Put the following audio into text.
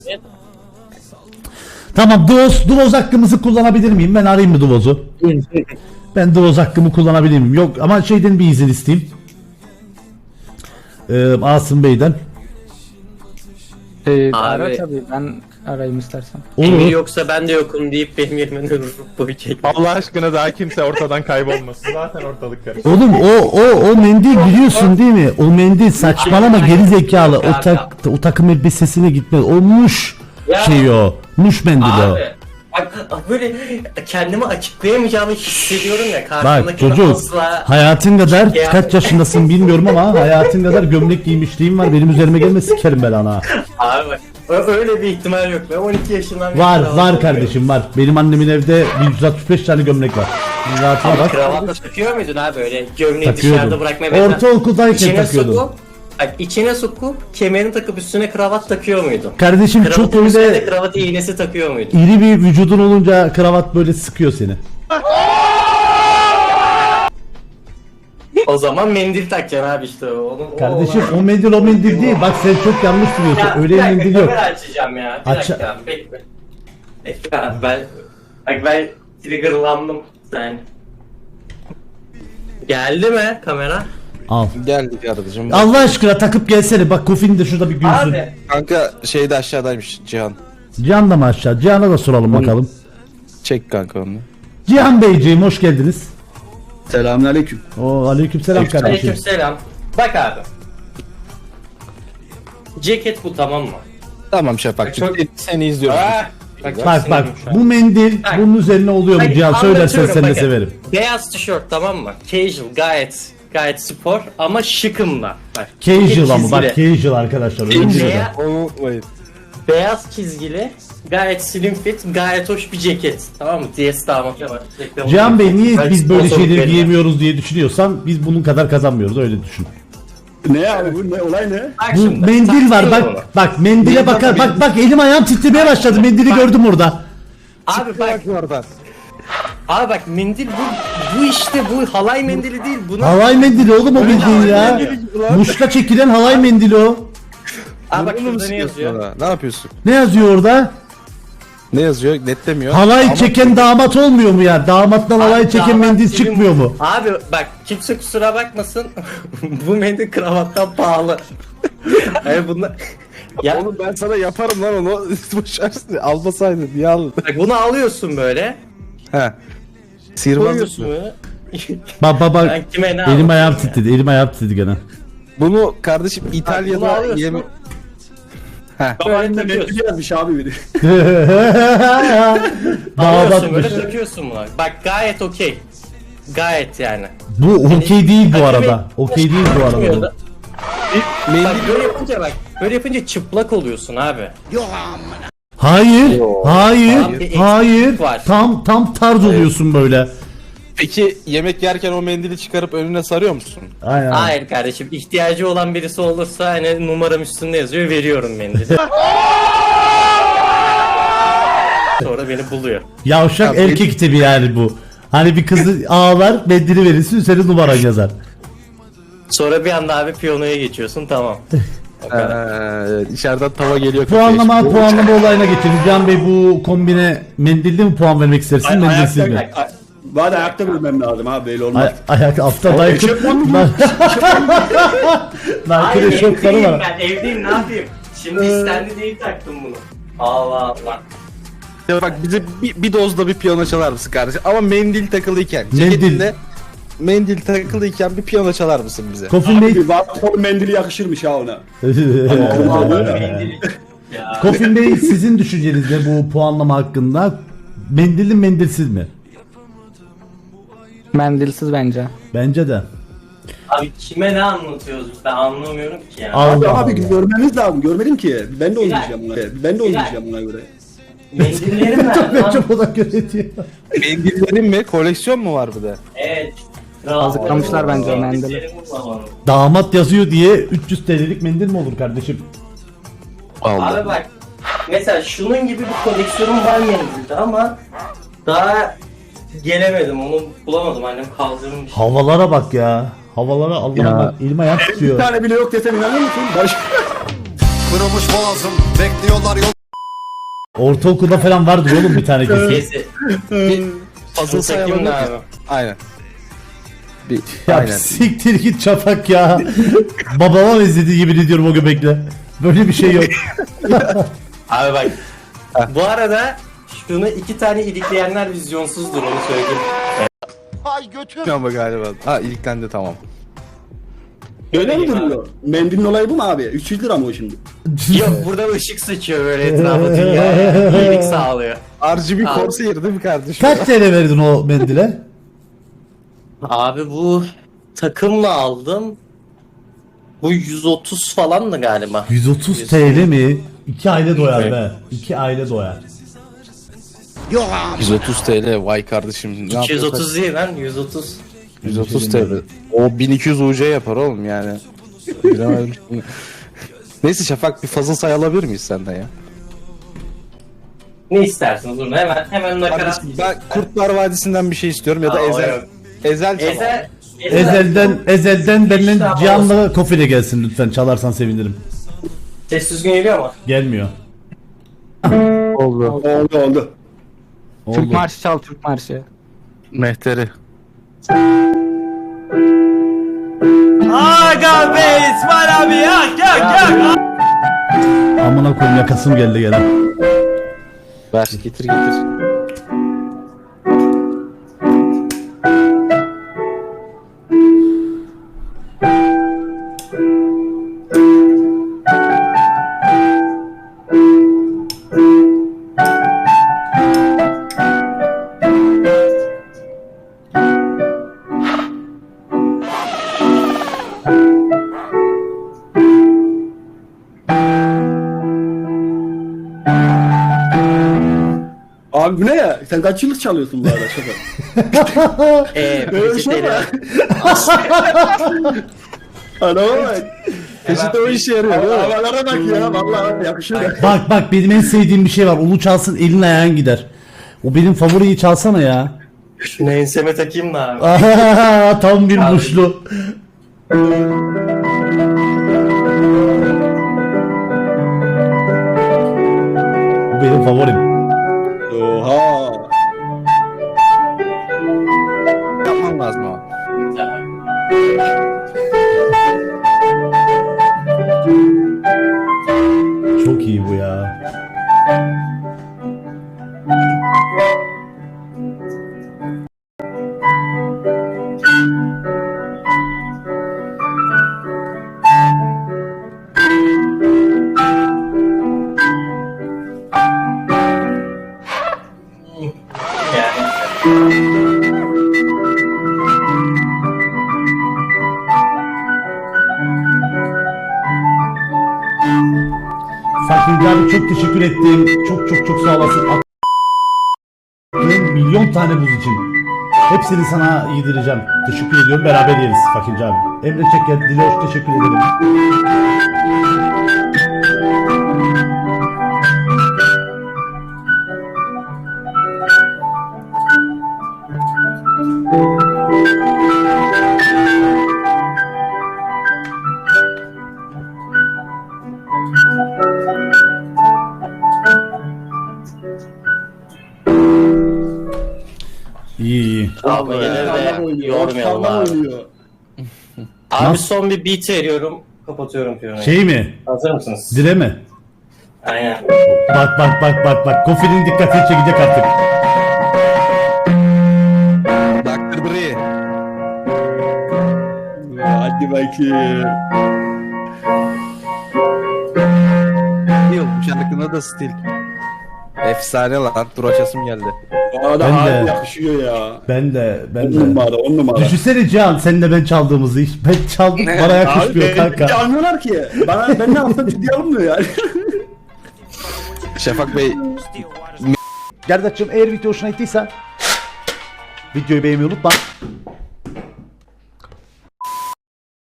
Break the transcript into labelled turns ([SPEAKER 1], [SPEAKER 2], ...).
[SPEAKER 1] Tamam, Duvoz hakkımızı kullanabilir miyim? Ben arayayım mı Duvoz'u? Ben Duvoz hakkımı kullanabilir miyim? Yok ama şeyden bir izin isteyeyim. Asım Bey'den.
[SPEAKER 2] Ara tabii, ben arayayım istersen.
[SPEAKER 3] Emir yoksa ben de yokum deyip benim yerime boyu çek.
[SPEAKER 4] Allah aşkına daha kimse ortadan kaybolmasın. Zaten ortalık karışık.
[SPEAKER 1] Oğlum o mendil biliyorsun değil mi? O mendil saçmalama geri zekalı. O takım elbisesine gitmez. O muş şey o. Muş mendili o.
[SPEAKER 3] Abi bak böyle kendimi açıklayamayacağımı hissediyorum ya.
[SPEAKER 1] Bak
[SPEAKER 3] Karşımdakini
[SPEAKER 1] çocuk
[SPEAKER 3] asla...
[SPEAKER 1] hayatın kadar
[SPEAKER 3] Ya.
[SPEAKER 1] kaç yaşındasın bilmiyorum ama hayatın kadar gömlek giymişliğim var. Benim üzerime gelme sikerim ben ana.
[SPEAKER 3] Abi bak öyle bir ihtimal yok. Ben 12 yaşından
[SPEAKER 1] Var kardeşim var. Benim annemin evde 165 tane gömlek var. Rahatına bak.
[SPEAKER 3] Kravatla takıyor muydun abi öyle gömleği
[SPEAKER 1] Takıyordum.
[SPEAKER 3] dışarıda bırakmaya mesela?
[SPEAKER 1] Ortaokuldayken
[SPEAKER 3] İçine
[SPEAKER 1] takıyordum.
[SPEAKER 3] sokup, bak içine sokup kemerini takıp üstüne kravat takıyor muydun?
[SPEAKER 1] Kardeşim çok
[SPEAKER 3] Kravatın üstüne de
[SPEAKER 1] öyle
[SPEAKER 3] kravat iğnesi takıyor muydun?
[SPEAKER 1] iri bir vücudun olunca kravat böyle sıkıyor seni.
[SPEAKER 3] O zaman mendil takacaksın abi işte.
[SPEAKER 1] Kardeşim o mendil değil. Bak sen çok yanlış biliyorsun.
[SPEAKER 3] Ya,
[SPEAKER 1] Öyle
[SPEAKER 3] bir dakika,
[SPEAKER 1] mendil yok.
[SPEAKER 3] kamera açacağım ya. Bir dakika abi, bekle. Bekle abi ben triggerlandım yani. Geldi mi kamera?
[SPEAKER 1] Al.
[SPEAKER 5] Geldik kardeşim.
[SPEAKER 1] Allah aşkına takıp gelsene. Bak Kofin de şurada bir gülsün.
[SPEAKER 3] Abi
[SPEAKER 5] Kanka şeyde aşağıdaymış Cihan.
[SPEAKER 1] Cihan da mı aşağı? Cihan'a da soralım bakalım.
[SPEAKER 5] Çek kanka onu.
[SPEAKER 1] Cihan Beyciğim hoş geldiniz.
[SPEAKER 6] Selamünaleyküm.
[SPEAKER 1] Aleykümselam kardeşim.
[SPEAKER 3] aleykümselam. Bak abi. Ceket bu, tamam mı?
[SPEAKER 5] Tamam Şafak.
[SPEAKER 3] Çok-
[SPEAKER 5] Seni izliyorum.
[SPEAKER 1] Bak
[SPEAKER 3] sinirliyim şu an.
[SPEAKER 1] bu mendil
[SPEAKER 3] Bak.
[SPEAKER 1] bunun üzerine oluyor mu
[SPEAKER 3] Bak,
[SPEAKER 1] Cihan? Söylersen
[SPEAKER 3] anlatıyorum,
[SPEAKER 1] sen de
[SPEAKER 3] bakın.
[SPEAKER 1] severim.
[SPEAKER 3] Beyaz tişört, tamam mı? Casual, gayet spor ama şıkımla. Bak.
[SPEAKER 1] Casual ama
[SPEAKER 3] çizgili.
[SPEAKER 1] bak casual arkadaşlar. Öyle bir şey var.
[SPEAKER 3] Beyaz,
[SPEAKER 5] Onu unutmayın.
[SPEAKER 3] beyaz çizgili, gayet slim fit, gayet hoş bir ceket. Tamam mı? DS damat var.
[SPEAKER 1] Cihan Bey niye
[SPEAKER 3] Belki
[SPEAKER 1] biz böyle
[SPEAKER 3] sponsorluk
[SPEAKER 1] şeyleri
[SPEAKER 3] verin.
[SPEAKER 1] giyemiyoruz diye düşünüyorsan biz bunun kadar kazanmıyoruz öyle düşün.
[SPEAKER 6] Ne abi bu ne olay ne?
[SPEAKER 3] Bak
[SPEAKER 1] Bu
[SPEAKER 3] şimdi,
[SPEAKER 1] mendil var
[SPEAKER 3] takıyorum onu.
[SPEAKER 1] bak mendile bakar bak elim ayağım titremeye başladı mendili gördüm orada.
[SPEAKER 3] Abi bak,
[SPEAKER 5] oradan.
[SPEAKER 3] abi bak mendil bu işte bu halay mendili değil. Bunun
[SPEAKER 1] Halay mendili oğlum o bildiğin ya. Muşta çekilen halay mendili o.
[SPEAKER 3] Abi bak
[SPEAKER 5] Bunu mu
[SPEAKER 3] şurada ne
[SPEAKER 5] sıkıyorsun
[SPEAKER 3] yazıyor?
[SPEAKER 5] ona? Ne yapıyorsun?
[SPEAKER 1] Ne yazıyor orada?
[SPEAKER 5] Ne yazıyor? Netlemiyor.
[SPEAKER 1] Halay
[SPEAKER 5] Ama-
[SPEAKER 1] çeken damat olmuyor mu ya? Damattan halay
[SPEAKER 3] Abi
[SPEAKER 1] çeken
[SPEAKER 3] damat
[SPEAKER 1] mendil
[SPEAKER 3] gibi-
[SPEAKER 1] çıkmıyor mu?
[SPEAKER 3] Abi bak kimse kusura bakmasın. Bu mendil kravattan pahalı. Hayır bunlar... Ya
[SPEAKER 5] Oğlum ben sana yaparım lan onu. Boşarsın. Almasaydın niye aldın?
[SPEAKER 3] bak bunu alıyorsun böyle.
[SPEAKER 5] He. Sihirbazlık
[SPEAKER 3] Koyuyorsun
[SPEAKER 5] mı?
[SPEAKER 3] böyle.
[SPEAKER 1] Bak
[SPEAKER 3] Ben kime ne
[SPEAKER 1] elim
[SPEAKER 3] anlatayım
[SPEAKER 1] ayağım
[SPEAKER 3] ya?
[SPEAKER 1] titredi elim ayağım titredi gene.
[SPEAKER 5] Bunu kardeşim
[SPEAKER 3] Bunu
[SPEAKER 5] İtalya'da
[SPEAKER 3] alıyorsun.
[SPEAKER 5] yeme...
[SPEAKER 3] Böyle
[SPEAKER 6] Ne
[SPEAKER 3] takıyorsun.
[SPEAKER 6] yazmış abi biri.
[SPEAKER 3] Alıyorsun böyle
[SPEAKER 1] Damatmış.
[SPEAKER 3] takıyorsun bunu. Bak gayet okey. Gayet yani.
[SPEAKER 1] Bu okey değil bu
[SPEAKER 3] Bak,
[SPEAKER 1] arada. Okey değil bu arada.
[SPEAKER 3] Bak böyle yapınca çıplak oluyorsun abi.
[SPEAKER 1] Hayır, hayır,
[SPEAKER 3] Abi,
[SPEAKER 1] hayır.
[SPEAKER 3] eksik var.
[SPEAKER 1] Tam tarz oluyorsun böyle.
[SPEAKER 5] Peki yemek yerken o mendili çıkarıp önüne sarıyor musun?
[SPEAKER 1] Aynen.
[SPEAKER 3] Hayır kardeşim, ihtiyacı olan birisi olursa hani numaram üstünde yazıyor, veriyorum mendili. Sonra beni buluyor.
[SPEAKER 1] Yavşak
[SPEAKER 5] Ya,
[SPEAKER 1] erkek tipi yani bu. Hani bir kızı ağlar, mendili verirsin, üzerine numaran yazar.
[SPEAKER 3] Sonra bir anda abi piyanoya geçiyorsun, tamam.
[SPEAKER 5] İçeriden tava geliyor.
[SPEAKER 1] Puanlama olayına geçelim. Can Bey bu kombine mendilli mi puan vermek istersin, mendilsiz mi?
[SPEAKER 6] Bari ayakta bilmem lazım abi böyle olmaz.
[SPEAKER 1] Ayak altta dayak. Nankırı şokları var.
[SPEAKER 3] Ben evdeyim, ne yapayım? Şimdi istendi değil taktım bunu. Allah Allah.
[SPEAKER 5] Ya bak bize bir dozda bir piyano çalar mısın kardeşim? Ama mendil takılıyken.
[SPEAKER 1] Mendil.
[SPEAKER 5] Ceketinde mendil takılıyken bir piyano çalar mısın bize?
[SPEAKER 1] Kofin Bey,
[SPEAKER 6] Bir vatfor mendili yakışırmış ha ona.
[SPEAKER 3] Ya.
[SPEAKER 1] Kofin Bey sizin düşünceniz ne bu puanlama hakkında? Mendilli mendilsiz mi?
[SPEAKER 2] Mendilsiz bence.
[SPEAKER 1] Bence de.
[SPEAKER 3] Abi kime ne anlatıyoruz ben anlamıyorum ki ya.
[SPEAKER 6] Abi,
[SPEAKER 1] Allah
[SPEAKER 6] abi
[SPEAKER 1] Allah.
[SPEAKER 6] görmeniz lazım. Görmedim ki. Ben de oynayacağım buna. Ben de oynayacağım buna göre.
[SPEAKER 3] Mendillerim nerede lan?
[SPEAKER 1] Çok o da göre diyor.
[SPEAKER 5] Mendillerin mi? Koleksiyon mu var bir de?
[SPEAKER 3] Evet.
[SPEAKER 2] Kazıklamışlar bence o mendili.
[SPEAKER 3] Mendillerim bulamadım.
[SPEAKER 1] Damat yazıyor diye 300 TL'lik mendil mi olur kardeşim?
[SPEAKER 3] Abi bak. Mesela şunun gibi bir koleksiyonum var mendilde ama daha gelemedim, onu bulamadım, annem kaldırmış.
[SPEAKER 1] Havalara bak ya. Havalara Allah'ım bak elim ayağım
[SPEAKER 6] Bir
[SPEAKER 1] tutuyor.
[SPEAKER 6] tane bile yok desem inanır mısın? Barış.
[SPEAKER 7] Kırılmış boğazım bekliyorlar yol
[SPEAKER 1] Ortaokulda falan vardır oğlum bir tane kesin.
[SPEAKER 3] Neyse.
[SPEAKER 5] Puzzle
[SPEAKER 3] Şu
[SPEAKER 5] sayalım
[SPEAKER 3] takım
[SPEAKER 5] mı?
[SPEAKER 3] ne abi?
[SPEAKER 5] Aynen. Bir,
[SPEAKER 1] Ya
[SPEAKER 5] aynen.
[SPEAKER 1] siktir git Şafak ya. Babama benzediği gibi ediyorum o göbekle. Böyle bir şey yok.
[SPEAKER 3] Abi bak. Bu arada şunu 2 tane ilikleyenler vizyonsuzdur onu söyleyeyim.
[SPEAKER 5] Ama galiba. Ha iliklendi tamam.
[SPEAKER 6] Öyle mi duruyor? Mendilin olayı bu mu abi? 300 lira mı o şimdi?
[SPEAKER 3] Yok burada ışık sıçıyor böyle etrafa dünyaya. İyilik sağlıyor.
[SPEAKER 5] RGB
[SPEAKER 3] Abi.
[SPEAKER 5] Corsair değil mi kardeşim?
[SPEAKER 1] Kaç TL verdin o mendile?
[SPEAKER 3] Abi bu takımla aldım. Bu 130 falan da galiba.
[SPEAKER 1] 130 TL mi? 2 aile doyar be. 2 aile doyar.
[SPEAKER 5] 130 TL vay kardeşim. Ne
[SPEAKER 3] 230 değil lan 130.
[SPEAKER 5] 130 TL. O 1200 UC yapar oğlum yani. Bilemedim. Neyse Şafak bir fazla say alabilir miyiz senden ya?
[SPEAKER 3] Ne istersin Durun hemen nakarat.
[SPEAKER 5] Kardeşim, ben Kurtlar Vadisi'nden bir şey istiyorum ya da
[SPEAKER 3] Aa, o
[SPEAKER 5] Ezel.
[SPEAKER 3] yok.
[SPEAKER 5] Ezel çalar.
[SPEAKER 1] Ezelden benden
[SPEAKER 3] İşte
[SPEAKER 1] Cihan'la Kofile gelsin lütfen. Çalarsan sevinirim.
[SPEAKER 3] Ses düzgün geliyor mu?
[SPEAKER 1] Gelmiyor.
[SPEAKER 2] Oldu.
[SPEAKER 6] Oldu.
[SPEAKER 1] Oldu.
[SPEAKER 2] Türk marşı çal, Türk marşı.
[SPEAKER 5] Mehteri.
[SPEAKER 1] Amına koyayım yakasım geldi gelen.
[SPEAKER 5] Ver getir getir.
[SPEAKER 6] Abi bu ne ya? Sen kaç yıllık çalıyorsun bu arada Şafak?
[SPEAKER 3] Peçeteyle.
[SPEAKER 6] Adama bak.
[SPEAKER 5] Peşinde o işe yarıyor değil mi?
[SPEAKER 6] Havalara bak ya. Vallahi yakışıyor.
[SPEAKER 1] Bak benim en sevdiğim bir şey var. Onu çalsın elin ayağın gider. O benim favoriyi çalsana ya.
[SPEAKER 3] Şunu enseme takayım da abi.
[SPEAKER 1] Ahahaha, tam bir
[SPEAKER 3] Abi.
[SPEAKER 1] muşlu. Bu benim favorim.
[SPEAKER 6] Oha.
[SPEAKER 5] Yapmam lazım ama.
[SPEAKER 1] Çok iyi bu ya.
[SPEAKER 3] Yani.
[SPEAKER 1] Fakir abi çok teşekkür ettim. Çok sağ olasın. Attığın milyon tane buz için. Hepsini sana yedireceğim. Teşekkür ediyorum. Beraber yeriz Fakir abi. Emre Çeker, Diloş teşekkür ederim. İyi.
[SPEAKER 3] Abi yine de yormayalım abi.
[SPEAKER 6] oynuyor.
[SPEAKER 3] Abi
[SPEAKER 1] Nasıl?
[SPEAKER 3] son bir beat veriyorum. Kapatıyorum piyanoyu.
[SPEAKER 1] Şey mi?
[SPEAKER 3] Hazır mısınız?
[SPEAKER 1] Dile mi?
[SPEAKER 3] Aynen.
[SPEAKER 1] Bak. Kofil'in dikkatini çekecek artık.
[SPEAKER 5] Dr. Dre.
[SPEAKER 6] Hadi bakayım.
[SPEAKER 5] Yok bu şarkının da stil. Efsane lan. Dur açasım geldi.
[SPEAKER 6] Bu arada
[SPEAKER 1] Ben
[SPEAKER 6] abi
[SPEAKER 1] de.
[SPEAKER 6] yakışıyor ya.
[SPEAKER 1] Ben de.
[SPEAKER 6] 10 numara 10 numara.
[SPEAKER 1] Düşünsene Cihan senle ben çaldığımızı. Ben çaldım bana yakışmıyor
[SPEAKER 6] Abi
[SPEAKER 1] kanka.
[SPEAKER 6] almıyorlar ki. Ben ne yapsam ciddiye alınmıyor yani.
[SPEAKER 5] Şafak Bey
[SPEAKER 1] Gerdaç'cığım eğer video hoşuna gittiyse videoyu beğenmeyi unutma.